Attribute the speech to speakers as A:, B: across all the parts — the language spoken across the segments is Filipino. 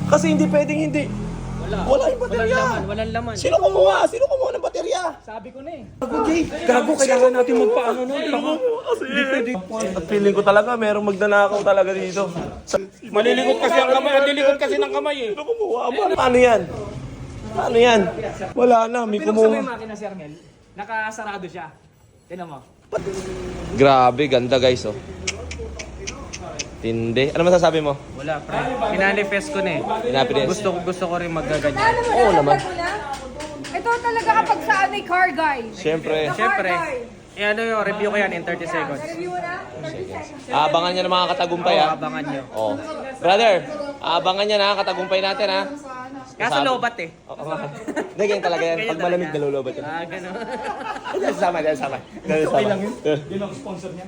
A: Kasi hindi pwedeng hindi. Wala yung baterya.
B: Walang laman.
A: Sino kumuha? Sino kumuha ng baterya?
B: Sabi ko na eh.
A: Gago, kailangan natin magpaano nun. Kasi hindi pwede. At feeling ko talaga, merong magnanakaw talaga dito.
C: Malilikot kasi ang kamay, ang lilikot kasi ng kamay eh.
A: Sino kumuha? Paano yan? Paano yan? Wala na, may
B: Pinuksan mo
A: kumuha.
B: yung makina, Sir Mel. Nakasarado siya. Tignan mo.
A: Grabe, ganda guys, oh. Tindi. Ano masasabi mo?
B: Wala, pre. Pinanifest ko na eh.
A: Pinapinest?
B: Gusto ko rin magaganyan.
A: Oo naman.
D: Ito talaga kapag saan may car guy.
A: Siyempre.
B: Siyempre, ano yung review ko yan in 30 seconds.
D: Review mo na? 30 seconds.
A: Abangan niya ng mga katagumpay, ha?
B: Abangan nyo.
A: Oh. Brother, abangan niya na katagumpay natin, ha?
B: Kaso lobat eh.
A: Oo nga. Hindi, ganyan talaga yan. Pag malamig, nalulubat yan.
B: Gano'n.
A: Diyan sama. Okay lang yun.
C: Yun ang sponsor niya.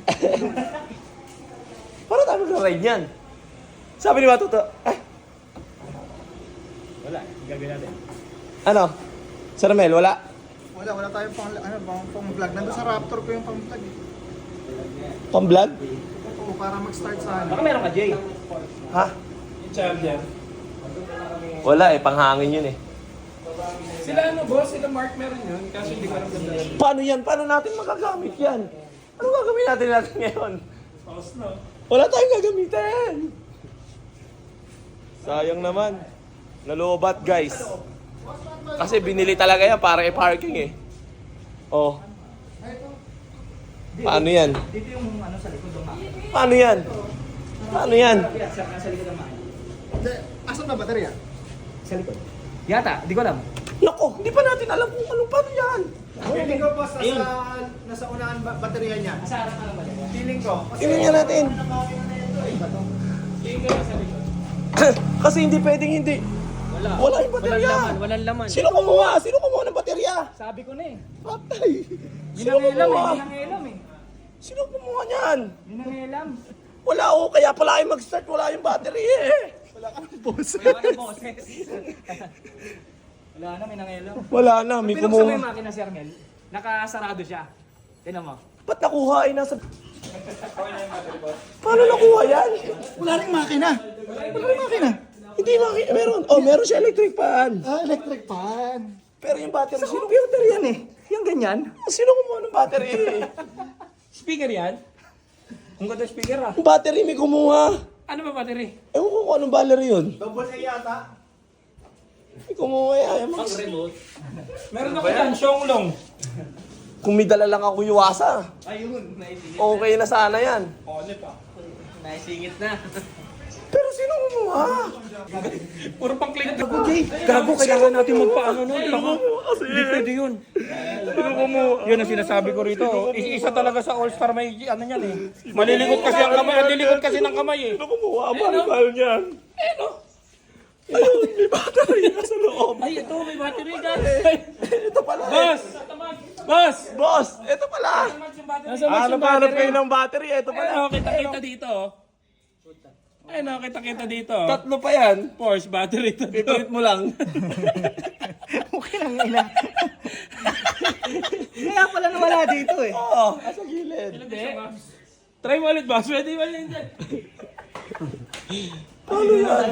A: Para tayo magra-ride yan. Sabi ni Matuto, ay,
C: Wala, gagawin natin.
A: ano? Sir Mel, wala?
E: Wala tayong pang vlog. Nandun sa Raptor ko yung pang vlog.
A: Pang-vlog?
E: Oo, para mag-start sa
B: Baka meron ka, Jay.
A: Ha?
C: Yung child yan.
A: Wala eh, panghangin yun eh.
C: Sila ano boss, sila Mark meron yun. Kaso hindi ko alam ganda.
A: Paano yan? Paano natin magagamit yan? Ano gagawin natin ngayon?
C: Paus no?
A: Wala tayong gagamitin. Sayang naman. Nalobat guys. Kasi binili talaga yan para i-parking eh. Oh. Paano yan?
B: Dito yung ano sa likod ng makina.
A: Paano yan? Paano yan?
B: Sa likod ng makina.
E: Asan na baterya?
B: Sa likod. Yata, di ko alam.
A: Nako, hindi pa natin alam kung ano paano yan.
E: Feeling ko boss, nasa unahan baterya niya.
B: Sa harap na lang ba?
E: Feeling ko.
A: Tingnan nga natin. Kasi hindi pwedeng hindi. Wala yung baterya.
B: Walang laman.
A: Sino kumuha? Sino kumuha ng baterya?
B: Sabi ko na eh.
A: Patay.
B: Yun
A: Sino
B: ang elam
A: kumuha?
B: eh. Yun ang elam eh.
A: Sino kumuha niyan?
B: Yun ang elam.
A: Wala oh, kaya pala ay mag-start, wala yung battery eh.
B: Wala ka ng boses. Wala na, may nangelam.
A: Wala na, may
B: Pinuksan mo yung
A: kumuha.
B: makina, Sir Mel. Nakasarado siya. Tignan mo.
A: Ba't nakuha ay nasa... Paano nakuha yan?
E: Wala ring makina.
A: Hindi makina, meron. Oh, meron siya electric fan.
E: Electric fan.
A: Pero yung battery,
B: Sa
A: sino,
B: computer yan eh. Yung ganyan.
A: sino kumuha ng battery?
C: Speaker yan? Ang ganda speaker ah.
A: Yung battery may kumuha.
C: Ano ba battery?
A: Ewan ko kung anong battery yun.
E: Double A yata.
A: May kumuha yan.
C: Meron ako yan, Xiaolong.
A: Kung may dala lang ako yuwasa,
B: Ayun, naisingit.
A: okay na sana yan.
C: Ole pa.
B: Naisingit na.
A: Pero sino kumuha?
C: Puro pang click.
A: Gago, kailangan natin
C: Magpaano nun? Hindi pwede yun. Yun ang sinasabi ko rito. Isa talaga sa all-star may ano yan eh. Malilikot kasi ang kamay, ang lilikot kasi ng kamay eh.
A: Sino kumuha? Mahal niyan. Ayun, may battery nasa loob.
C: Ay, ito may battery guys.
A: Ito pala.
C: Boss! Boss!
A: Boss, ito pala.
C: Nasa box yung
A: Hanap
C: battery.
A: kayo ng battery. Ito pala.
C: Ayun, kita-kita dito. Ayun, kita-kita dito.
A: Tatlo pa yan.
C: Force battery to.
A: Pipilit mo lang.
B: Okay lang ina. Kaya pala nawala dito eh.
A: Oo, sa gilid.
C: Hindi. Try mo ulit, boss. Pwede ba yun dyan?
A: Ano yan?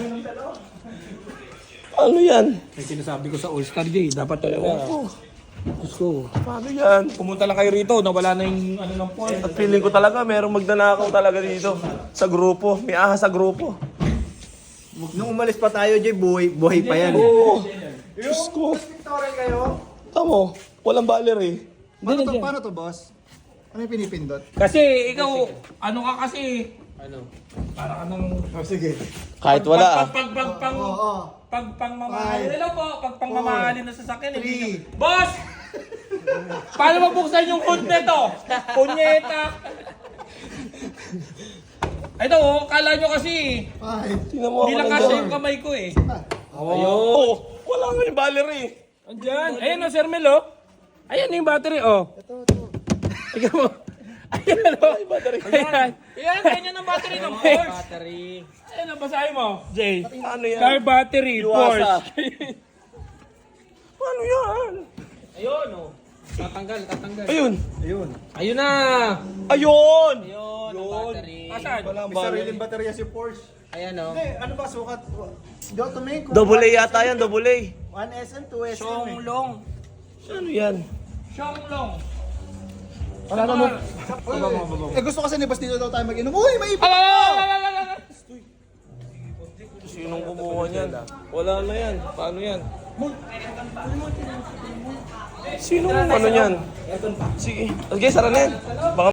A: Ano yan?
C: May sinasabi ko sa All-Star Day. Dapat talaga. Gusto.
A: Paano yan?
C: Pumunta lang kayo rito. Nawala na yung ano ng point.
A: At feeling ko talaga merong magnanakaw talaga dito. Sa grupo. May ahas sa grupo.
E: Nung umalis pa tayo, Jay, buhay pa yan.
A: Oo. Diyos ko.
E: Victoria kayo.
A: Tamo, walang battery.
E: Paano to, boss? Ano yung pinipindot?
C: Kasi ikaw, ano ka kasi? Ano? Para ka nang...
E: Sige.
A: Kahit wala ah.
E: Oo.
C: Mamahalin. Hello po, pagpangmamahalin na sasakyan.
E: Three.
C: Boss! Paano mabuksan yung hood nito? Punyeta! Ito oh, kala nyo kasi,
E: Five.
A: Tingnan mo ako
C: hindi lang
A: nandiyan.
C: kasi yung kamay ko eh.
A: Oo, wala nga yung battery.
C: Andyan. Ayun o, Sir Mel oh. Ayan yung battery oh.
E: Ito.
C: Ikaw mo. Ayan o.
A: Yung battery.
C: Ayan. Ayan, ganyan ang battery ng Porsche.
B: Battery.
C: Ayan ang basahin mo, Jay.
A: Ano yan?
C: Car battery,
A: Iwasa.
C: Porsche.
A: Paano yan?
B: Ayun oh. Tatanggal.
A: Ayun.
B: Ayun na.
A: Ayun!
B: Ayun, ang battery.
C: Asan?
A: Walang
E: May sariling baterya si Porsche.
B: Ayan oh.
E: Hindi, ano ba sukat? Go to me.
A: Double A yata yan, double A.
E: 1 SM, 2 SM.
C: Chong Long.
A: Ano yan?
C: Chong Long.
E: Wala na mo. Eh gusto kasi ni Bastito daw tayo mag-inom. Uy, may iba!
A: Sinong kumuha niyan? Wala na yan. Paano yan? Sinong ano yan? Sige. Okay, sara na yan. Baka